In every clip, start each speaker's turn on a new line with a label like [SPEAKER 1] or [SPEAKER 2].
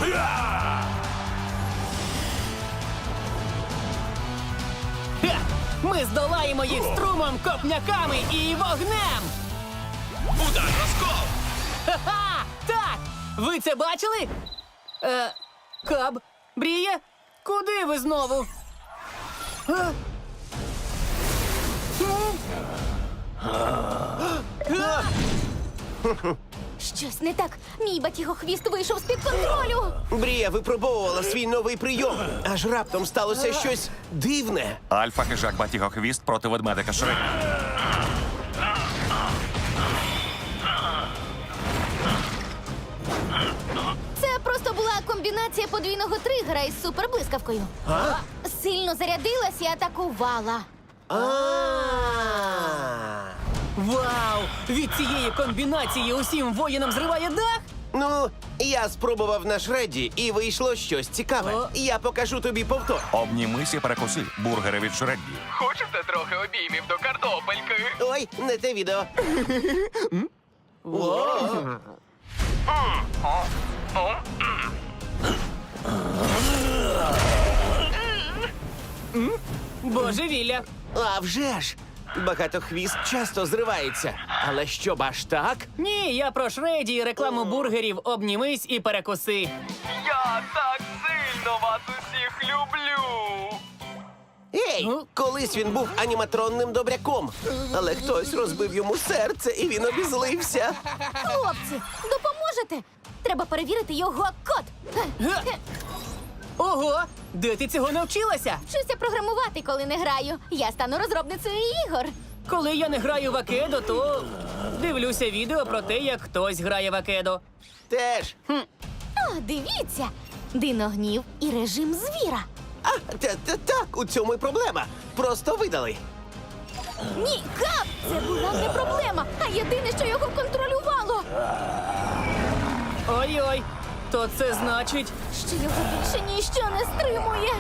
[SPEAKER 1] Ха! Ми здолаємо їх струмом, копняками і вогнем!
[SPEAKER 2] Удар, розкол!
[SPEAKER 1] Ха-ха! Так! Ви це бачили? Каб, Бріє, куди ви знову?
[SPEAKER 3] Щось не так. Мій батігохвіст вийшов з-під контролю.
[SPEAKER 4] Брія випробовувала свій новий прийом. Аж раптом сталося щось дивне.
[SPEAKER 5] Альфа-хижак Батігохвіст проти ведмедика Шредді.
[SPEAKER 3] Це просто була комбінація подвійного тригера із суперблискавкою. Сильно зарядилась і атакувала.
[SPEAKER 1] Вау! Від цієї комбінації усім воїнам зриває дах?
[SPEAKER 4] Ну, я спробував на Шредді, і вийшло щось цікаве.
[SPEAKER 1] О.
[SPEAKER 4] Я покажу тобі повтор.
[SPEAKER 5] Обнімись і перекуси. Бургери від Шредді.
[SPEAKER 2] Хочете трохи обіймів до картопельки?
[SPEAKER 4] Ой, не те відео.
[SPEAKER 1] Божевілля!
[SPEAKER 4] А вже ж! Багатохвіст часто зривається. Але щоб аж так?
[SPEAKER 1] Ні, я про Шредді і рекламу бургерів «Обнімись і перекуси».
[SPEAKER 2] Я так сильно вас усіх люблю!
[SPEAKER 4] Ей, колись він був аніматронним добряком. Але хтось розбив йому серце, і він обізлився.
[SPEAKER 3] Хлопці, допоможете? Треба перевірити його код.
[SPEAKER 1] Ого! Де ти цього навчилася?
[SPEAKER 3] Вчуся програмувати, коли не граю. Я стану розробницею ігор.
[SPEAKER 1] Коли я не граю в Акедо, то дивлюся відео про те, як хтось грає в Акедо.
[SPEAKER 4] Теж.
[SPEAKER 3] О, дивіться! Диногнів і режим звіра.
[SPEAKER 4] Так, у цьому й проблема. Просто видали.
[SPEAKER 3] Ні, Кап! Це була не проблема, а єдине, що його контролювало.
[SPEAKER 1] Ой-ой, то це значить...
[SPEAKER 3] Що його більше ніщо не стримує.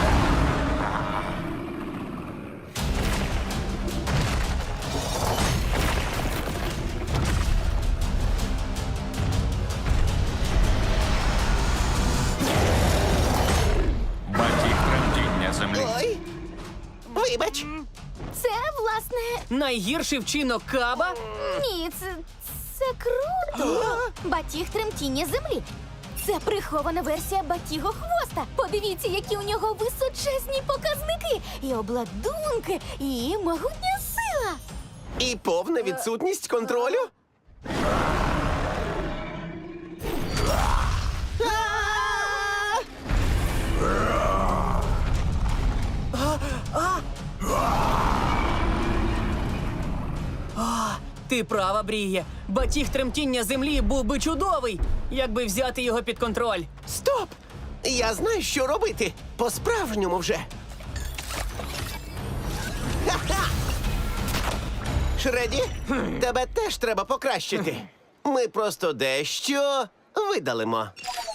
[SPEAKER 5] Батіг тремтіння землі.
[SPEAKER 4] Ой. Вибач.
[SPEAKER 3] Це, власне,
[SPEAKER 1] Найгірший вчинок Каба?
[SPEAKER 3] ні, це круто. Батіг тремтіння землі. Це прихована версія батігохвоста. Подивіться, які у нього височезні показники, і обладунки, і могутня сила.
[SPEAKER 4] І повна відсутність контролю?
[SPEAKER 1] Ти права, Бріє. Батіг тремтіння землі був би чудовий, якби взяти його під контроль.
[SPEAKER 4] Стоп! Я знаю, що робити. По-справжньому вже. Ха-ха! Шредді, тебе теж треба покращити. Ми просто дещо видалимо.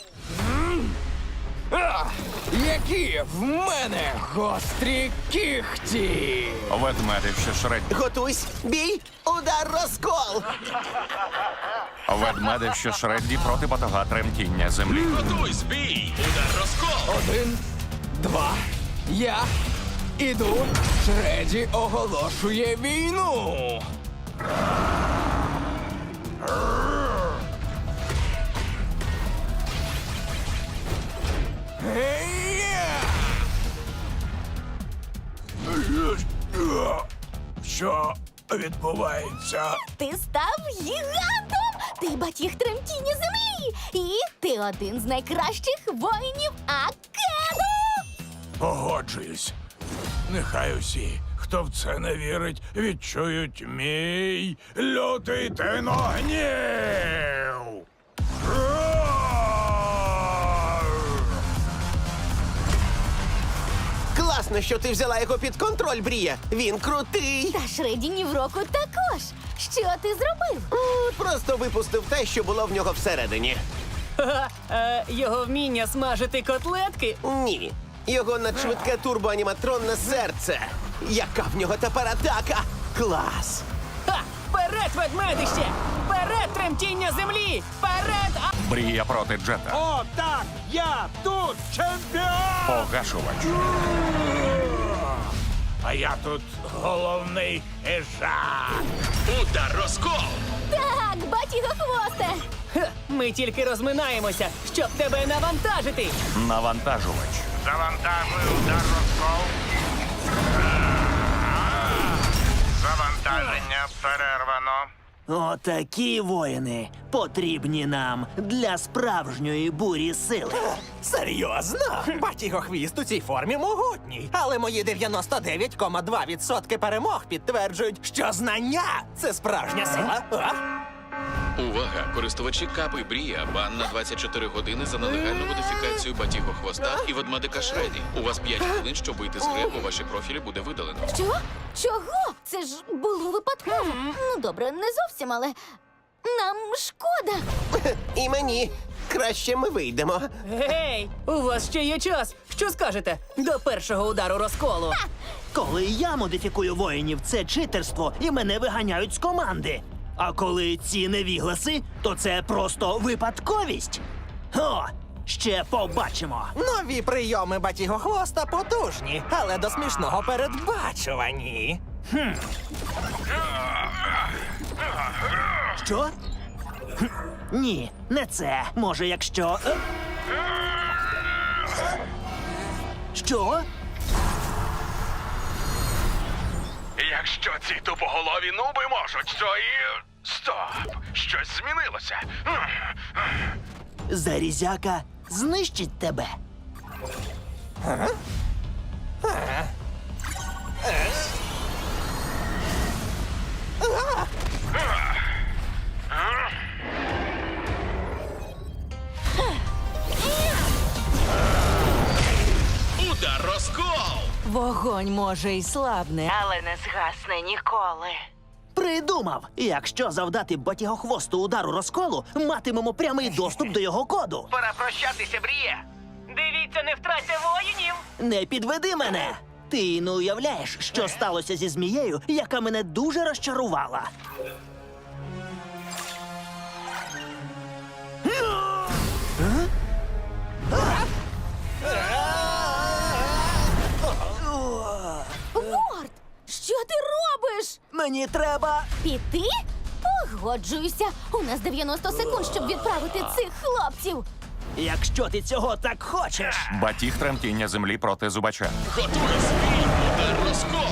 [SPEAKER 2] Які в мене гострі кіхті!
[SPEAKER 5] Ведмедище Шредді.
[SPEAKER 4] Готуйсь, бій, удар, розкол!
[SPEAKER 5] Ведмедище Шредді проти батога тремтіння землі.
[SPEAKER 2] Готуй, збій! Удар, розкол! 1, 2, я іду. Шредді оголошує війну! Що відбувається?
[SPEAKER 3] Ти став гігантом! Ти батіг тремтіння землі! І ти один з найкращих воїнів Акеду!
[SPEAKER 6] Погоджуюсь. Нехай усі, хто в це не вірить, відчують мій лютий тиногнів.
[SPEAKER 4] Класно, що ти взяла його під контроль, Брія. Він крутий.
[SPEAKER 3] Та Шредді ні в року також. Що ти зробив?
[SPEAKER 4] Просто випустив те, що було в нього всередині.
[SPEAKER 1] Його вміння смажити котлетки?
[SPEAKER 4] Ні. Його надшвидке турбоаніматронне серце. Яка в нього тепер атака? Клас!
[SPEAKER 1] Ха! Вперед, ведмедище! Вперед! Вперед, тремтіння землі! Вперед!
[SPEAKER 5] Брія проти Джета.
[SPEAKER 6] О, так! Я тут чемпіон!
[SPEAKER 5] Погашувач.
[SPEAKER 6] А я тут головний хижак.
[SPEAKER 2] Удар розкол!
[SPEAKER 3] Так, батігохвосте!
[SPEAKER 1] Ха, ми тільки розминаємося, щоб тебе навантажити.
[SPEAKER 5] Навантажувач.
[SPEAKER 6] Завантажую удар розкол. Завантаження перервано.
[SPEAKER 7] Отакі воїни потрібні нам для справжньої бурі сили.
[SPEAKER 8] Серйозно? Батігохвіст у цій формі могутній. Але мої 99,2% перемог підтверджують, що знання це справжня сила. А?
[SPEAKER 9] Увага! Користувачі Капи Брія бан на 24 години за нелегальну модифікацію Батіго Хвоста і ведмедика Шреді. У вас 5 хвилин, щоб вийти з гри, бо ваші профілі буде видалено.
[SPEAKER 3] Що? Чого? Це ж було випадково. Ну, добре, не зовсім, але нам шкода.
[SPEAKER 4] І мені. Краще ми вийдемо.
[SPEAKER 1] Гей, у вас ще є час. Що скажете до першого удару розколу?
[SPEAKER 7] Коли я модифікую воїнів, це читерство і мене виганяють з команди. А коли ці невігласи, то це просто випадковість. О, ще побачимо.
[SPEAKER 8] Нові прийоми батігохвоста потужні, але до смішного передбачувані.
[SPEAKER 7] Що? Хм, ні, не це. Може, якщо. Що?
[SPEAKER 6] Якщо ці тупоголові нуби можуть, то і... Стоп! Щось змінилося.
[SPEAKER 7] Зарізяка знищить тебе.
[SPEAKER 2] Удар розкол!
[SPEAKER 10] Вогонь може й слабне, але не згасне ніколи.
[SPEAKER 7] Придумав! Якщо завдати батігохвосту удару розколу, матимемо прямий доступ до його коду.
[SPEAKER 8] Пора прощатися, Бріє.
[SPEAKER 1] Дивіться, не втраться воїнів!
[SPEAKER 7] Не підведи мене! Ти не уявляєш, що сталося зі змією, яка мене дуже розчарувала.
[SPEAKER 3] Ворд, що ти робиш?
[SPEAKER 7] Мені треба.
[SPEAKER 3] Піти? Погоджуюся. У нас 90 секунд, щоб відправити цих хлопців.
[SPEAKER 7] Якщо ти цього так хочеш.
[SPEAKER 5] Батіг тремтіння землі проти зубача.
[SPEAKER 2] Готуй свій удар розкол!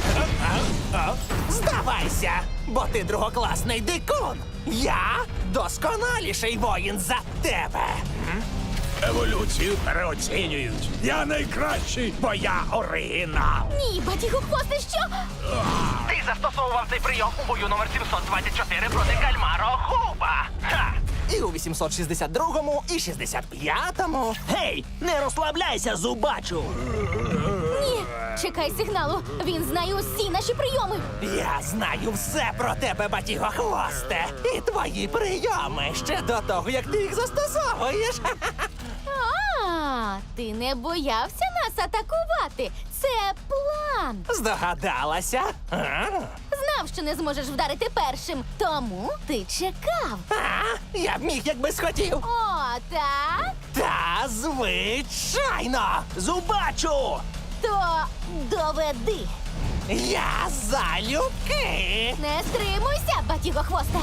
[SPEAKER 8] Здавайся, бо ти другокласний дикун. Я досконаліший воїн за тебе.
[SPEAKER 6] Еволюцію переоцінюють. Я найкращий, бо я оригінал.
[SPEAKER 3] Ні, батігохвосте, що?
[SPEAKER 8] Ти застосовував цей прийом у бою номер 724 проти кальмара Хуба. Ха! І у 862-му, і 65-му.
[SPEAKER 7] Гей, не розслабляйся, зубачу!
[SPEAKER 3] Ні, чекай сигналу. Він знає усі наші прийоми.
[SPEAKER 8] Я знаю все про тебе, батігохвосте. І твої прийоми ще до того, як ти їх застосовуєш.
[SPEAKER 3] А, ти не боявся нас атакувати. Це план.
[SPEAKER 8] Здогадалася? А?
[SPEAKER 3] Знав, що не зможеш вдарити першим, тому ти чекав.
[SPEAKER 8] Я б міг, якби схотів.
[SPEAKER 3] О, так?
[SPEAKER 8] Та звичайно.
[SPEAKER 7] Зубачу!
[SPEAKER 3] То доведи.
[SPEAKER 8] Я залюбки.
[SPEAKER 3] Не стримуйся, батігохвосте.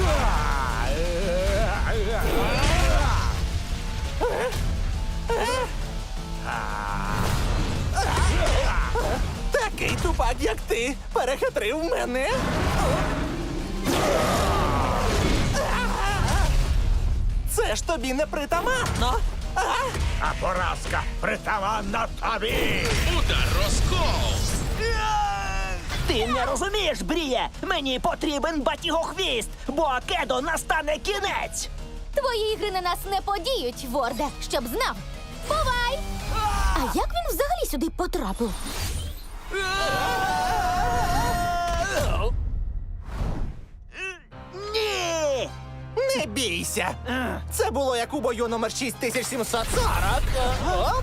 [SPEAKER 8] Такий тупак, як ти, перехитрив мене. Це ж тобі не притаманно.
[SPEAKER 6] А поразка притаманна тобі.
[SPEAKER 2] Удар розкол!
[SPEAKER 7] Ти не розумієш, Бріє! Мені потрібен батігохвіст, бо Акедо настане кінець!
[SPEAKER 3] Твої ігри на нас не подіють, Ворде, щоб знав. Бувай! А як він взагалі сюди потрапив?
[SPEAKER 7] Ні!
[SPEAKER 8] Не бійся. Це було як у бою номер 6740. Оп.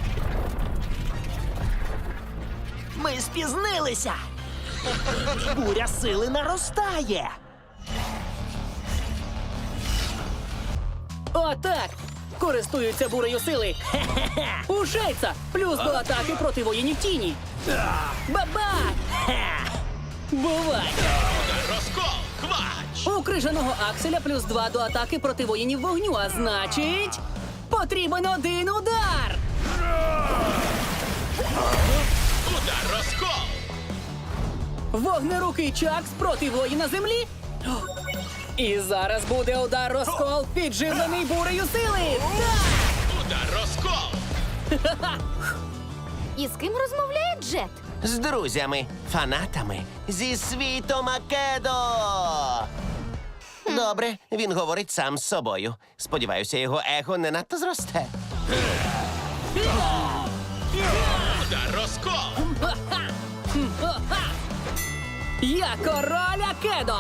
[SPEAKER 7] Ми спізнилися! Буря сили наростає!
[SPEAKER 1] Отак! Користуються бурею сили. У Шейца плюс до атаки проти воїнів тіні. Баба! Бувай!
[SPEAKER 9] Розкол! Квач!
[SPEAKER 1] У крижаного Акселя плюс 2 до атаки проти воїнів вогню, а значить, потрібен один удар!
[SPEAKER 9] Удар розкол!
[SPEAKER 1] Вогнерукий Чакс проти воїна землі. І зараз буде удар розкол, підживлений бурею сили.
[SPEAKER 9] Удар розкол!
[SPEAKER 3] І з ким розмовляє Джет?
[SPEAKER 4] З друзями, фанатами зі світу Македо. Добре, він говорить сам з собою. Сподіваюся, його его не надто зросте.
[SPEAKER 9] Удар розкол!
[SPEAKER 1] Я король Акедо!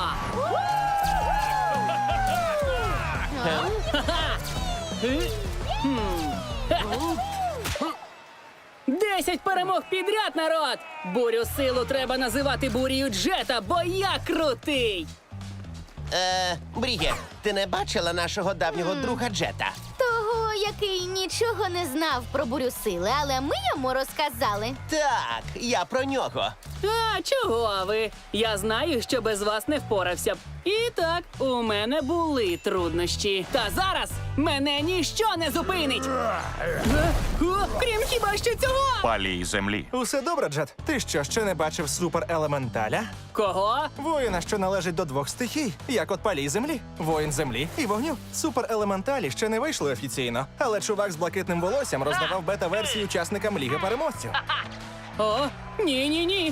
[SPEAKER 1] 10 перемог підряд, народ! Бурю силу треба називати бурію Джета, бо я крутий!
[SPEAKER 4] Бріє, ти не бачила нашого давнього друга Джета?
[SPEAKER 3] Того, який нічого не знав про бурю сили, але ми йому розказали.
[SPEAKER 4] Так, я про нього.
[SPEAKER 1] А, чого ви? Я знаю, що без вас не впорався б. І так, у мене були труднощі. Та зараз мене ніщо не зупинить! Крім хіба що цього!
[SPEAKER 5] Палій землі.
[SPEAKER 8] Усе добре, Джет? Ти що, ще не бачив суперелементаля?
[SPEAKER 1] Кого?
[SPEAKER 8] Воїна, що належить до двох стихій, як от палій землі, воїн землі і вогню. Суперелементалі ще не вийшли офіційно, але чувак з блакитним волоссям роздавав бета-версії учасникам Ліги переможців.
[SPEAKER 1] О, ні-ні-ні!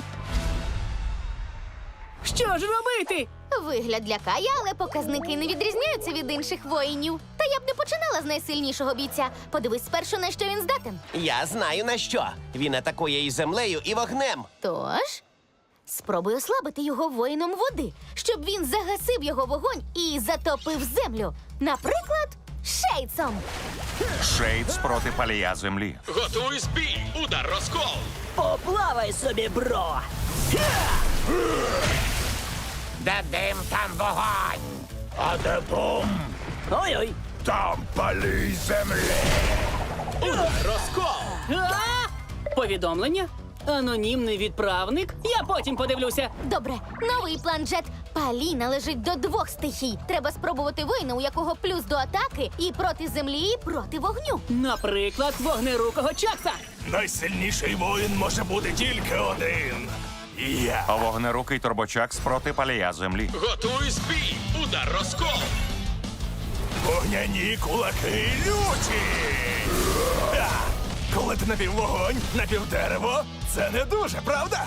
[SPEAKER 1] Що ж робити?
[SPEAKER 3] Вигляд лякає, але показники не відрізняються від інших воїнів. Та я б не починала з найсильнішого бійця. Подивись спершу, на що він здатен.
[SPEAKER 4] Я знаю на що. Він атакує і землею, і вогнем.
[SPEAKER 3] Тож, спробуй ослабити його воїном води, щоб він загасив його вогонь і затопив землю. Наприклад, Шейцом.
[SPEAKER 5] Шейдс проти палія землі.
[SPEAKER 9] Готуй бій! Удар розкол!
[SPEAKER 7] Поплавай собі, бро!
[SPEAKER 6] Де дим, там вогонь! А де бум?
[SPEAKER 7] Ой-ой!
[SPEAKER 6] Там палій землі!
[SPEAKER 9] Удар розкол!
[SPEAKER 1] А? Повідомлення? Анонімний відправник? Я потім подивлюся.
[SPEAKER 3] Добре, новий план Джет. Палій належить до двох стихій. Треба спробувати воїна, у якого плюс до атаки і проти землі, і проти вогню.
[SPEAKER 1] Наприклад, вогнерукого Чакса.
[SPEAKER 6] Найсильніший воїн може бути тільки один. Я.
[SPEAKER 5] Вогнерукий турбочакс проти палія землі.
[SPEAKER 9] Готуй бій! Удар розкол!
[SPEAKER 6] Вогняні кулаки люті! Коли ти напіввогонь, напівдерево, це не дуже, правда?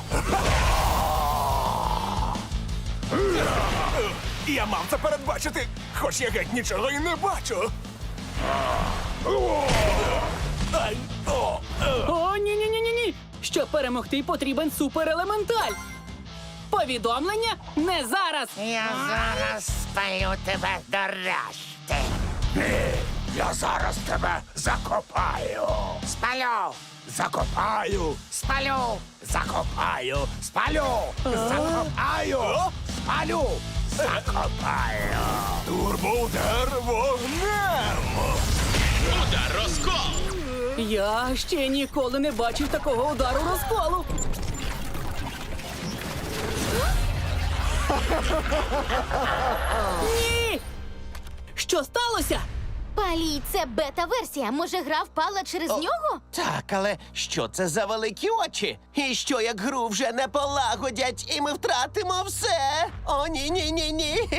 [SPEAKER 6] Я мав це передбачити, хоч я геть нічого і не бачу. Ай, о,
[SPEAKER 1] О, ні-ні-ні-ні-ні! Щоб перемогти, потрібен суперелементаль. Повідомлення не зараз.
[SPEAKER 2] Я зараз спалю тебе до решти.
[SPEAKER 6] я зараз тебе закопаю.
[SPEAKER 2] Спалю,
[SPEAKER 6] Закопаю,
[SPEAKER 2] спалю,
[SPEAKER 6] закопаю, спалю, закопаю, спалю, закопаю. Турбоудар вогнем.
[SPEAKER 9] Удар розкол!
[SPEAKER 1] Я ще ніколи не бачив такого удару розколу. Ні! Що сталося?
[SPEAKER 3] Палій — це бета-версія. Може, гра впала через нього?
[SPEAKER 4] Так, але що це за великі очі? І що як гру вже не полагодять, і ми втратимо все? О, ні-ні-ні-ні.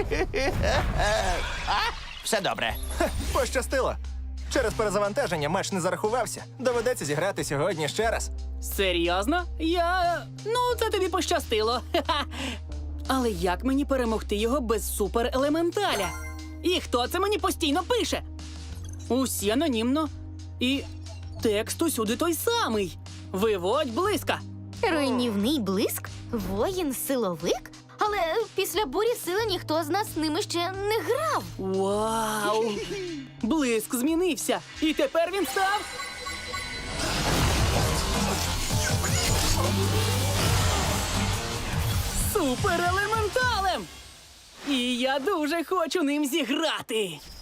[SPEAKER 4] Все добре.
[SPEAKER 8] Пощастило. Через перезавантаження матч не зарахувався. Доведеться зіграти сьогодні ще раз.
[SPEAKER 1] Серйозно? Ну, це тобі пощастило. Ха-ха. Але як мені перемогти його без суперелементаля? І хто це мені постійно пише? Усі анонімно. І текст усюди той самий. Виводь близька.
[SPEAKER 3] Руйнівний блиск? Воїн-силовик? Але після бурі сили ніхто з нас з ними ще не грав.
[SPEAKER 1] Вау! Блиск змінився. І тепер він став... суперелементалем! І я дуже хочу ним зіграти.